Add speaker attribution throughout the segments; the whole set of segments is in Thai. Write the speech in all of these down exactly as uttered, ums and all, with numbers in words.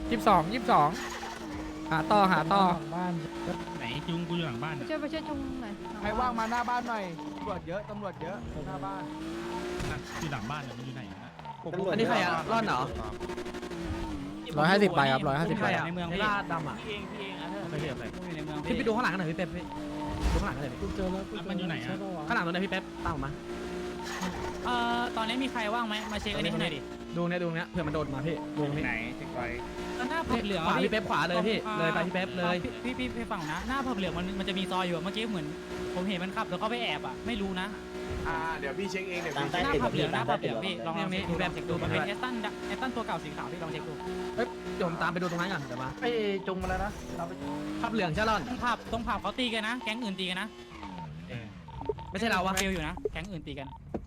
Speaker 1: ยี่สิบสองยี่สิบสองหาต่อหาต่อ
Speaker 2: บ้าน
Speaker 3: ไหนจุงกูอยู่หลังบ้าน
Speaker 4: ไป
Speaker 3: อะ
Speaker 4: ช่วยไปช่วยจุงหน่อย
Speaker 2: ใครว่างมาหน้าบ้านหน่อยตำรวจเยอะตำรวจเยอะหน้าบ้าน
Speaker 3: อยู่หลังบ้านอะมันอยู่ไหนอะ
Speaker 5: อันนี้ใครอะร่อนเหรอ
Speaker 1: ร้อยห้าสิบใบครับร้อยห้าสิบ
Speaker 5: ใค
Speaker 1: ใบ
Speaker 5: รอะ
Speaker 3: ในเมือง
Speaker 5: ไอ้
Speaker 3: พี่
Speaker 5: ลาดดำอะ
Speaker 6: พี่เองพี่เองอ่ะเธอ
Speaker 5: โอเคโอเค
Speaker 6: อยู่ในเมือง
Speaker 5: พี่ไปดูข้างหลังกันหน่อยพี่เป๊ปพี่ดูข้างหลังกันหน่อยพี่
Speaker 2: เจอแล้ว
Speaker 3: มันอยู่ไหนอะ
Speaker 5: ข้างหลังตรงไหนพี่เป๊ปตามผมมา
Speaker 6: เอ่อตอนนี้มีใครว่างไหมมาเช็คอันนี้ให้หน่อยดิ
Speaker 5: ดูเนี่ยดูเนี้ยเผื่อมันโดนมาพี่ดูตรงนี้
Speaker 3: ไหนเช็คไว้
Speaker 6: หน้าผับเหลือง
Speaker 5: ขวาพี่เป๊ปขวาเลยพี่เลยไปพี่เป๊ปเลย
Speaker 6: พี่พี่พี่ฝั่งนะหน้าผับเหลืองมันมันจะมีซอยอยู่อะเมื่อกี้เหมือนผมเห็นมันขับแล้วก็ไปแอบอ่ะไม่รู้นะ
Speaker 7: อ่าเดี๋ยวพี่เช็คเองเดี๋ยว
Speaker 8: ตาม
Speaker 7: พี่
Speaker 8: ใต้
Speaker 6: หน้า
Speaker 8: ตึก
Speaker 6: ผับเหลืองหน้าผับเหลือง
Speaker 8: พี่
Speaker 6: พี่ลองลองเช็คดูลองเช็คดูมันเป็นเอสตันเอสตันตัวเก่าสีขาวพี่ลองเช็คดู
Speaker 5: เฮ้ยเดี๋ยวผมตามไปดูตรงนั้นก่อนเดี๋ยวมา
Speaker 2: ไอ้จุงมาแล้วนะเราไป
Speaker 5: ขับเหลืองใช่ร่อน
Speaker 6: ตรงผับตรงผับเขาตีกันนะแก๊งอื่นตีกันนะ
Speaker 5: ไม่ใช่เราวะ
Speaker 6: เฟลอยู่นะแก๊งอื่นตีกัน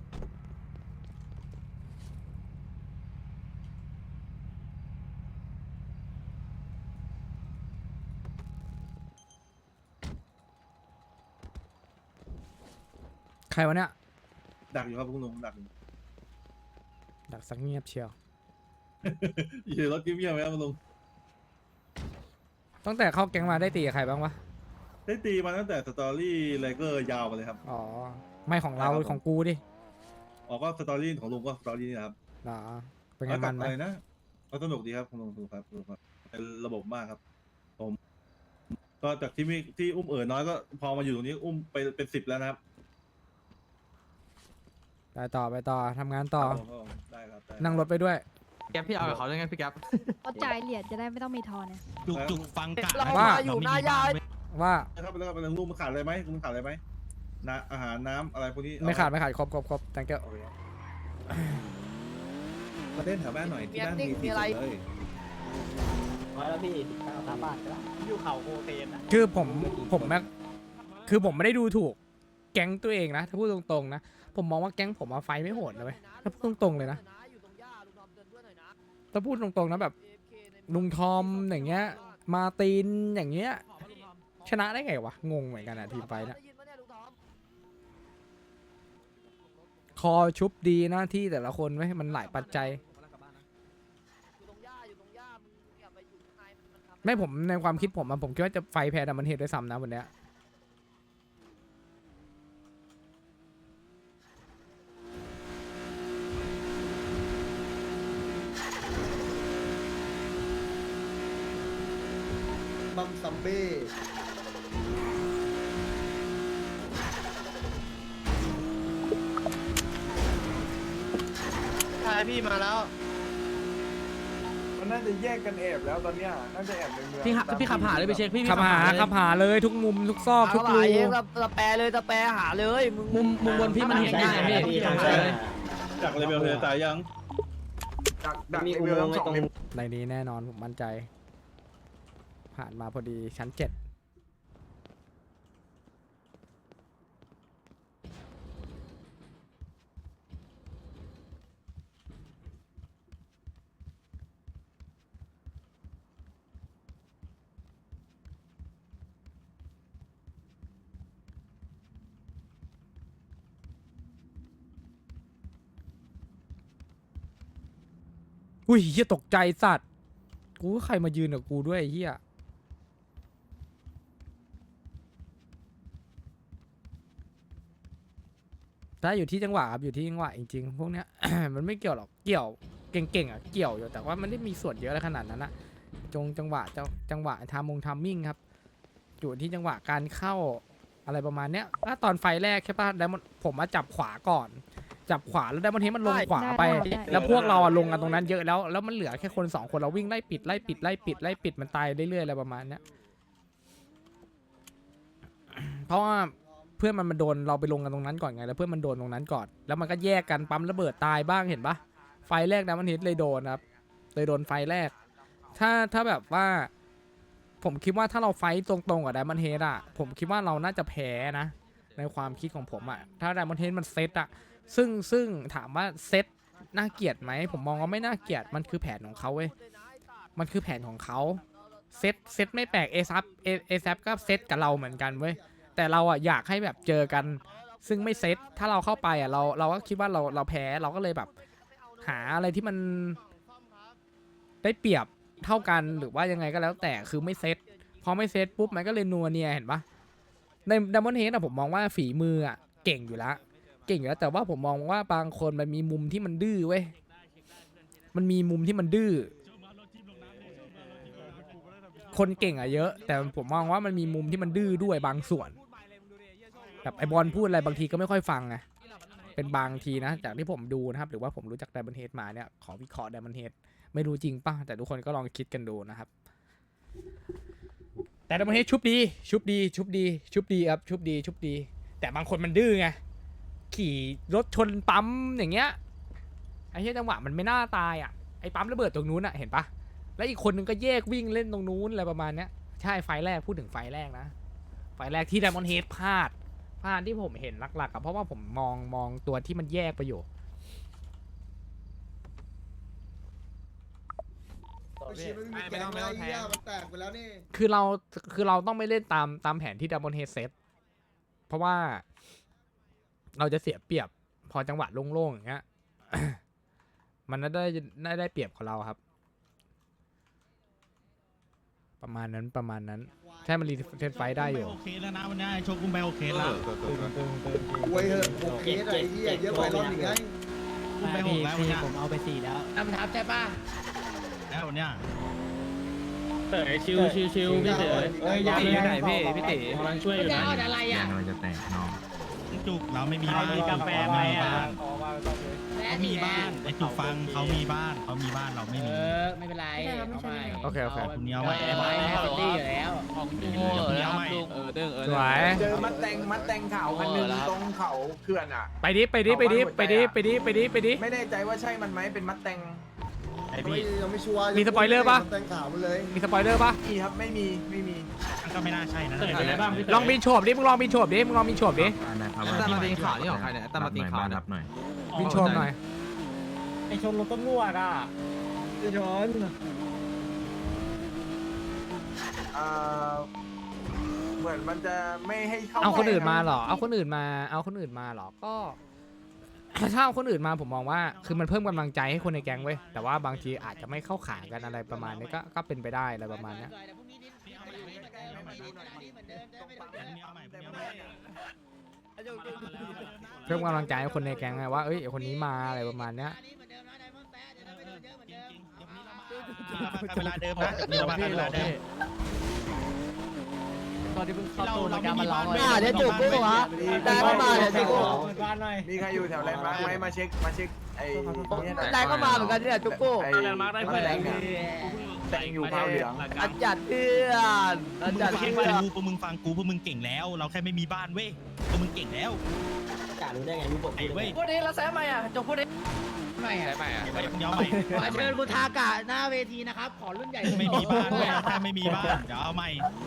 Speaker 1: ใครวะเนี่ย
Speaker 7: ดักอยู่ครับคุณลุงดักอยู่
Speaker 1: ดักสักเงียบเชียว
Speaker 7: อยู่รถกิ๊บเยี่ยมไหมครับคุณลุง
Speaker 1: ตั้งแต่เข้าแก๊งมาได้ตีกับใครบ้างวะ
Speaker 7: ได้ตีมาตั้งแต่สตอรี่เลเกอร์ยาวมาเลยครับ
Speaker 1: อ๋อไม่ของเราของกูดิ
Speaker 7: ออกก็สตอรี่ของลุงก็สตอรี่นี่นะครับ
Speaker 1: เหรอเป็นไงมันไหม
Speaker 7: อะไรนะก็สนุกดีครับคุณลุงสนุกครับสนุกครับเป็นระบบมากครับ ผม ก็จากที่มีที่อุ้มเอ๋อน้อยก็พอมาอยู่ตรงนี้อุ้มไปเป็นสิบแล้วนะครับ
Speaker 1: ไปต่อไปต่อทำงานต่อ
Speaker 7: ผมก็ได้ครับได้
Speaker 1: นั่งรถไปด้วย
Speaker 5: แก๊ปพี่เอากับเขาได้ไงพี่แก๊ป
Speaker 4: เขาจ่ายเหรียญจะได้ไม่ต้องมีทอนเนี่ย
Speaker 3: จุกจุกฟังกะ
Speaker 1: เราว่า
Speaker 3: อยู่หน้ายาย
Speaker 1: ว่า
Speaker 7: ครับแล้วก็เป็นลุงมาขาดอะไรไหมลุงขาดอะไรไหมน้ำอาหารน้ำอะไรพวกนี้
Speaker 1: ไม่ขาดไม่ขาดครบครบครบ thank you
Speaker 7: โอเคครับมาเล่นแถวบ้านหน่อยที่บ้านมีที่สุดเลย
Speaker 8: ร้อยแล้วพี่สิบเก้าตามบ้านก็ได้
Speaker 6: อยู่เขาโคเคนนะ
Speaker 1: คือผมผมแม่คือผมไม่ได้ดูถูกแก๊งตัวเองนะถ้าพูดตรงๆนะผมมองว่าแก๊งผมมาไฟไม่โหดนะเว้ยถ้าพูดตรงๆเลยนะถ้าพูดตรงๆนะแบบลุงทอมอย่างเงี้ยมาร์ตินอย่างเงี้ยชนะได้ไงวะงงเหมือนกันอะทีมไฟนะคอชุบดีหน้าที่แต่ละคนไว้ยมันหลายปัจจัยไม่ผมในความคิดผมอะผมคิดว่าจะไฟแพ้แต่มันเหตุด้วยซ้ำนะวันเนี้ย
Speaker 7: บัมซัมเบ้
Speaker 6: ใช่พี่มาแล้ว
Speaker 7: มันน่าจะแยกกันแอบแล้วตอนเนี้ยน่าจะแอบในเมือง
Speaker 5: พี่ขับพี่ขับหาเลยไปเช็คพี่พี่
Speaker 1: ขับหา
Speaker 5: เลย
Speaker 1: ขับหาเลยทุกมุมทุกซอกทุกรู
Speaker 6: สแปรเลยสแปรหาเลยมึง
Speaker 5: มุมมุมบนพี่มันเห็นง่ายพี่
Speaker 8: ใช่
Speaker 5: ใช่
Speaker 8: ใช่
Speaker 5: เลย
Speaker 7: จากเลเวลเทตายยังจากดัก
Speaker 8: มี
Speaker 7: เล
Speaker 8: อุ
Speaker 7: เว
Speaker 8: โม
Speaker 7: ล
Speaker 8: งค์ไว้
Speaker 7: สอง
Speaker 8: ตรง
Speaker 7: เลเวล
Speaker 1: ในนี้แน่นอนผมมั่นใจ ผ่านมาพอดีชั้นเจ็ดอุ้ยเฮียตกใจสัตว์กูว่าใครมายืนกับกูด้วยไอ้เฮียถ้าอยู่ที่จังหวะครับอยู่ที่จังหวะจริงๆพวกเนี้ย มันไม่เกี่ยวหรอกเกี่ยวเก่งๆอ่ะเกี่ยวอยู่แต่ว่ามันไม่ได้มีส่วนเยอะอะไรขนาดนั้นนะจงจังหวะจังจังหวะทามงทามมิ่งครับอยู่ที่จังหวะการเข้าอะไรประมาณเนี้ยถ้าตอนไฟแรกใช่ป่ะแล้วผมมาจับขวาก่อน จับขวาแล้วได้มันเห็นมันลงขวาไป แล้วพวกเราอะลงกันตรงนั้นเยอะแล้วแล้วมันเหลือแค่คนสองคนเราวิ่งไล่ปิดไล่ปิดไล่ปิดไล่ปิดมันตายเรื่อยๆอะไรประมาณเนี้ยเพราะว่าเพื่อนมันมาโดนเราไปลงกันตรงนั้นก่อนไงแล้วเพื่อนมันโดนตรงนั้นก่อนแล้วมันก็แยกกันปั๊มระเบิดตายบ้างเห็นปะไฟแรกนะมันเห็นเลยโดนครับเลยโดนไฟแรก ถ้าถ้าแบบว่า ผมคิดว่าถ้าเราไฟตรงๆกับไดมอนเฮดอะผมคิดว่าเราน่าจะแพ้นะ ในความคิดของผมอะถ้าไดมอนเฮดมันเซตอะซึ่งซึ่งถามว่าเซตน่าเกลียดไหมผมมองว่าไม่น่าเกลียดมันคือแผนของเขาเว้ยมันคือแผนของเขาเซตเซตไม่แปลกเอซับเอซับก็เซตกับเราเหมือนกันเว้ยแต่เราอะอยากให้แบบเจอกัน ซึ่งไม่เซตถ้าเราเข้าไปอะเราเราก็คิดว่าเราเราแพ้เราก็เลยแบบ หาอะไรที่มันได้เปรียบเท่ากันหรือว่ายังไงก็แล้วแต่คือไม่เซตพอไม่เซตปุ๊บมันก็เลยนัวเนียเห็นปะในดัมเบิลเฮดอะผมมองว่าฝีมืออะเก่งอยู่แล้วเก่งอยู่แล้วแต่ว่าผมมองว่าบางคนมันมีมุมที่มันดื้อเว้ยมันมีมุมที่มันดื้อคนเก่งอะเยอะ แต่ผมมองว่ามันมีมุมที่มันดื้อด้วยบางส่วนแบบไอบอลพูดอะไรบางทีก็ไม่ค่อยฟังไงเป็นบางทีนะจากที่ผมดูนะครับหรือว่าผมรู้จักดัมเบิลเฮดมาเนี่ยขอวิเคราะห์ดัมเบิลเฮดไม่รู้จริงป่ะแต่ทุกคนก็ลองคิดกันดูนะครับแต่ดัมเบิลเฮดชุบดีชุบดีชุบดีชุบดีครับชุบดีชุบดี แต่บางคนมันดื้อไงขี่รถชนปั๊มอย่างเงี้ยไอ้เหี้ยจังหวะมันไม่น่าตายอ่ะไอ้ปั๊มระเบิดตรงนู้นอ่ะเห็นปะแล้วอีกคนนึงก็แยกวิ่งเล่นตรงนู้นอะไรประมาณเนี้ยใช่ไฟแรกพูดถึงไฟแรกนะไฟแรกที่ไดมอนด์เฮดพลาดพลาดที่ผมเห็นหลักๆอะเพราะว่าผมมองมองตัวที่มันแยกไปอยู่
Speaker 9: ไม่ต้องไม่ต้องแทงมันแตกไปแล้วนี่
Speaker 1: คือเราคือเราต้องไม่เล่นตามตามแผนที่ดัมเบิลเฮดเซตเพราะว่าเราจะเสียเปรียบพอจังหวะโล่งๆอย่างเงี้ย มันน่าได้น่าได้เปรียบของเราครับ ประมาณนั้นประมาณนั้นใช่มันรีเทนไฟได้อยู่
Speaker 3: โอเคแล้วนะวันนี้ไอ้โชกุนไปโอเคแล้ว
Speaker 9: ไว้เถอะโอเคอะไรเหี้ยเยอะไปรอบหนึ่งไง
Speaker 3: กุนไปหกแล้ววันนี้
Speaker 6: ผมเอาไปสี่แล้ว
Speaker 5: นำทับใช่ป่ะ
Speaker 3: แล้ววันนี้
Speaker 5: เต๋อชิวชิวชิวพี่เต๋อ
Speaker 2: เอ้ยอย่า
Speaker 5: พี่ไหนพี่พี่เต๋อก
Speaker 8: ำลังช่วยอยู่นะอะไรอ่ะ
Speaker 3: จุกเราไม่มีบ้าน
Speaker 6: มีกาแฟไหมอะ
Speaker 2: ขอมาต้องเลย
Speaker 3: เขามีบ้านไอ้จุกฟังเขามีบ้านเขามีบ้านเราไม่
Speaker 8: เอ
Speaker 3: มี
Speaker 8: อไม่เป็นไรเอาไป
Speaker 1: โอเคโอเค
Speaker 3: คุณเนี้ยไว้
Speaker 8: เอาไปให้เป็นตี้อยู่แล้ว
Speaker 5: ของจริง
Speaker 3: เนี้ยไว้
Speaker 5: เออเด้งเออ
Speaker 1: สวย
Speaker 2: เจอมัดแตงมัดแตงขาวคันหนึงตรงเขาเขื่อนอ่ะ
Speaker 1: ไปดิไปดิไปดิไปดิไปดิไปดิไปดิ
Speaker 2: ไม่แน่ใจว่าใช่มันไหมเป็นมัดแตง
Speaker 3: ไอ้
Speaker 9: ไม่
Speaker 3: พี่
Speaker 9: ยังไม่ชัวร์
Speaker 1: มีสปอยเลอร์ปะ
Speaker 9: แต่งข่าวมันเลย
Speaker 1: มีสปอยเลอร์ปะ
Speaker 2: มีครับไม่มีไม่มี
Speaker 3: มันก็ไม่น่าใช่นะ
Speaker 5: อะไรบ้างพี่
Speaker 1: ลองบินโฉบดิมึงลองบินโฉบดิมึงลองบินโฉบดิ
Speaker 5: แต่มาตีขาวนี่ของใครเนี่ยแต่มาตีขาวเนี่ย
Speaker 1: บินโฉบหน่อย
Speaker 6: ไอชนรถตำรวจอ่ะ
Speaker 2: พี่ชนเอ่อเหมือนมันจะไม่ให้เข้า
Speaker 1: เอาคนอื่นมา
Speaker 2: ไปะ
Speaker 1: เหรอเอาคนอื่นมาเอาคนอื่นมาเหรอก็ ถ้าเอาคนอื่นมาผมมองว่าคือมันเพิ่มกำลังใจให้คนในแก๊งเว้ยแต่ว่าบางทีอาจจะไม่เข้าขากันอะไรประมาณนี้ก็ก็เป็นไปได้อะไรประมาณเนี้ยเพิ่มกำลังใจให้คนในแก๊งไงว่าเอ้ยคนนี้มาอะไรประมาณเนี้ย
Speaker 3: เวลาเดิมนะเรามาเวลาเดิม
Speaker 6: ตอนที่เพิ่งเข้า
Speaker 3: เรา
Speaker 6: ตู้
Speaker 3: เรา
Speaker 6: กา
Speaker 3: ไม่
Speaker 6: ร
Speaker 3: มี
Speaker 6: มาร้
Speaker 3: บ้า
Speaker 6: อน ง
Speaker 3: ไม่
Speaker 6: เลย
Speaker 3: เดี๋ยวจุกกูเหรอ
Speaker 2: ได้ก็มาเดี๋ยวจุก
Speaker 6: บ้านหน่อย
Speaker 2: มีใครอยู่แถวแลนด์มาร์คไหมมาเช็คมาเช็คไอ้เนี่ย
Speaker 5: ได้ก็มาเหมือนกันเนี่ยจุกกู
Speaker 2: ไอ้แลนด์มาร์คได้เพื่อนแตงอยู่พาวเหลือง
Speaker 5: อาจารย์เพื่อนอา
Speaker 3: มึง
Speaker 5: จารย์
Speaker 3: แค่
Speaker 5: เพื่
Speaker 3: ฟั
Speaker 5: อง น
Speaker 3: กูพวกมึงฟังกูพวกมึงเก่งแล้ว เราแค่ไม่มีบ้านเว้ยพวกมึงเก่งแล้ว
Speaker 8: จ่ารู้ได้ไงรู้ผม
Speaker 3: ไอ้เว้ย
Speaker 5: พูดดิแล้วแซมใหม่อ่ะจงพูดดิ
Speaker 8: ไม่อะ
Speaker 5: ใหม่อ่ะ
Speaker 3: เดี๋ยวใหม่
Speaker 8: ขอเชิญคุณทากะหน้าเวทีนะครับ ขอรุ่นใหญ่
Speaker 3: ไม่มีบ้านเว้ยแค่ไม่มีบ้านเดี๋ยวเอาใหม่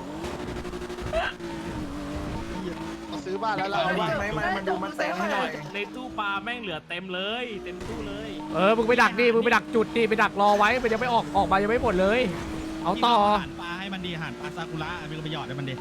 Speaker 9: ซื้อบ้านแล้วเรา
Speaker 2: เอาบ้านไหมมามาดูมันแตงให้หน่อย
Speaker 5: ในตู้ปลาแม่งเหลือเต็มเลยเต็มตู้เลย
Speaker 1: เออมึงไปดักดิมึงไปดักจุดดิไปดักรอไว้มันยังไม่ออกออกมายังไม่หมดเลย เอาต่อ
Speaker 3: อาหารปลาให้มันดีอาหารปลาซากุระมีประโยชน์ให้มันดี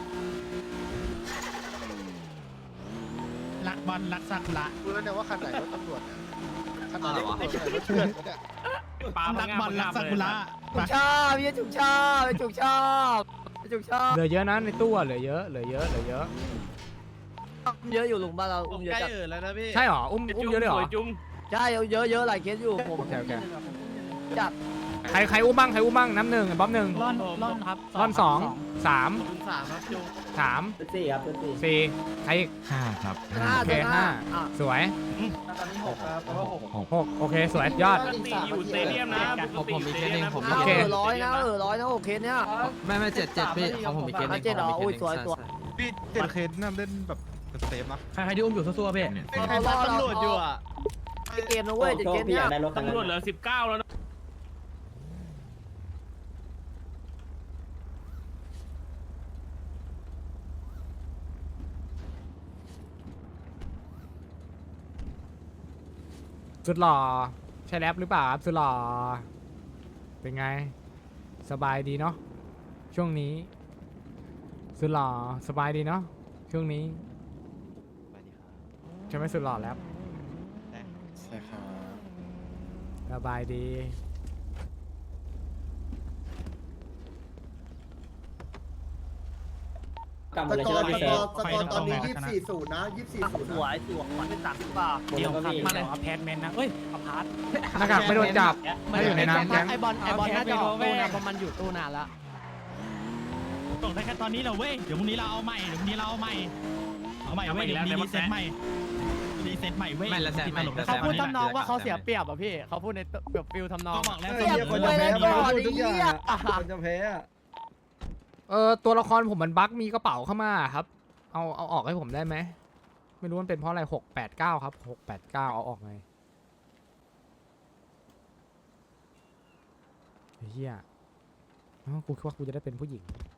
Speaker 3: รักบอลรักซากุระ
Speaker 9: รู้แล้วเนี่ยว่าคันไหนรถตำรวจเนี่ยคันไหนรถตำรวจเนี่ยรถเถื่อนเนี่ย
Speaker 5: ปลา
Speaker 3: รักบอลรักซากุระ
Speaker 5: จุกชอบพี่จุกชอบพี่จุกชอบพี่จุกชอบ
Speaker 1: เหลือเยอะนะในตู้อะเหลือเยอะเหลือเยอะเหลือเยอะ
Speaker 5: เยอะอยู่ลุงบ้านเราอุ้มเยอะจัด
Speaker 1: ใช่หรออุ้มอุ้มเยอะเลยเหรอ
Speaker 5: ใช่เยอะเยอะหลายเคสอยู่ผม
Speaker 1: โอเคโอเค
Speaker 5: จัด
Speaker 1: ใครใครอุ้มบ้างใครอุ้มบ้างน้ำหนึ่งบ๊อบหนึ่ง
Speaker 6: ร่อนร่อนครับ
Speaker 1: ร่อนสองสาม
Speaker 5: สามครับจุก
Speaker 1: สาม
Speaker 8: เป็นสี่ครับเป็นสี่
Speaker 1: สี่ใครอีก
Speaker 3: ห้าครับ
Speaker 5: ห้า
Speaker 1: โอเคห้าสวย
Speaker 2: ตอนนี้หกครับเพราะว่าหก
Speaker 1: หกโอเคสวยยอด
Speaker 8: อยู่สเตเดียมนะ
Speaker 5: ผมผมมีเคสหนึ่งผม
Speaker 1: โอเค
Speaker 5: เออร้อยนะเออร้อยนะโอเคเนี้ยไม่ไม่เจ็ดเจ็ดพี่ของผมมีเคสหนึ่งเจ็ดเหรออุ้ยสวยสวย
Speaker 10: พี่เจ็ดเคสน่าเล่นแบบเซฟนะ
Speaker 5: ใครที่อุ้มอยู่ซัวๆพี่
Speaker 10: ใครตำรวจอยู่อ่ะ
Speaker 5: เกมนะเว้ยเจ็ดเกม
Speaker 8: พี่อ
Speaker 5: เนี้ย
Speaker 8: ยากได้รถคันนั้น
Speaker 5: ตำรวจเหลือสิบเก้าแล้วนะ
Speaker 1: สุดหล่อใช่แรปหรือเปล่าครับสุดหล่อเป็นไง สบายดีเนาะช่วงนี้สุดหล่อสบายดีเนาะช่วงนี้ใช่ไหมสุดหล่อแรป
Speaker 9: ใช่ครับ
Speaker 1: สบายดี
Speaker 8: กลับ
Speaker 9: ส
Speaker 8: มาเลย
Speaker 9: ก
Speaker 8: ใช่
Speaker 9: อ
Speaker 8: ไหม
Speaker 9: ร์ส
Speaker 8: พี่
Speaker 9: ก
Speaker 8: เซิ
Speaker 9: อ
Speaker 8: ร์ฟ
Speaker 9: ร์สกอร์ตอนนี้ยี่สิบสี่ศูนย์นะยี่สิบสี่ศูนย์
Speaker 5: สวยสวยขวัญเป็นสามสิบบาท
Speaker 6: เดี๋ยวครับมาเลยเอาแพทแมนนะเอ้ยเอาพาร์ท
Speaker 1: หน้ากากไม่โดนจับไม่อยู่ในน้ำแก๊ง
Speaker 5: ไอบอลไอบอลน่าจะออกตู้นะเพราะมันอยู่ตู้นานละ
Speaker 3: ตกได้แค่ตอนนี้เหรอเว้ยเดี๋ยวพรุ่งนี้เราเอาใหม่เดี๋ยวพรุ่งนี้เราเอาใหม่เอาใหม่เว้ยเดี๋ยวพรุ่งนี้รีเซ็ตใหม่รีเซ็ตใหม่เว้ย
Speaker 10: ไม่ละแซมไม่
Speaker 3: ติดตลก
Speaker 10: ละแซ
Speaker 6: เขา
Speaker 10: ม
Speaker 6: พูดทำนองว่าเขาเสียเปรียบอ่ะพี่เขาพูดในแบบฟิลทำนอง
Speaker 3: ก็บอกแล้ว
Speaker 5: เสียคนจะแพ้ทุกอย่างคนจะแพ้
Speaker 1: เออตัวละครผมมันบั๊กมีกระเป๋าเข้ามาครับ เอาเอาออกให้ผมได้ไหมไม่รู้มันเป็นเพราะอะไรหกแปดเก้าครับหกแปดเก้าเอาออกไงเฮียอ้าวกูคิดว่ากูจะได้เป็นผู้หญิง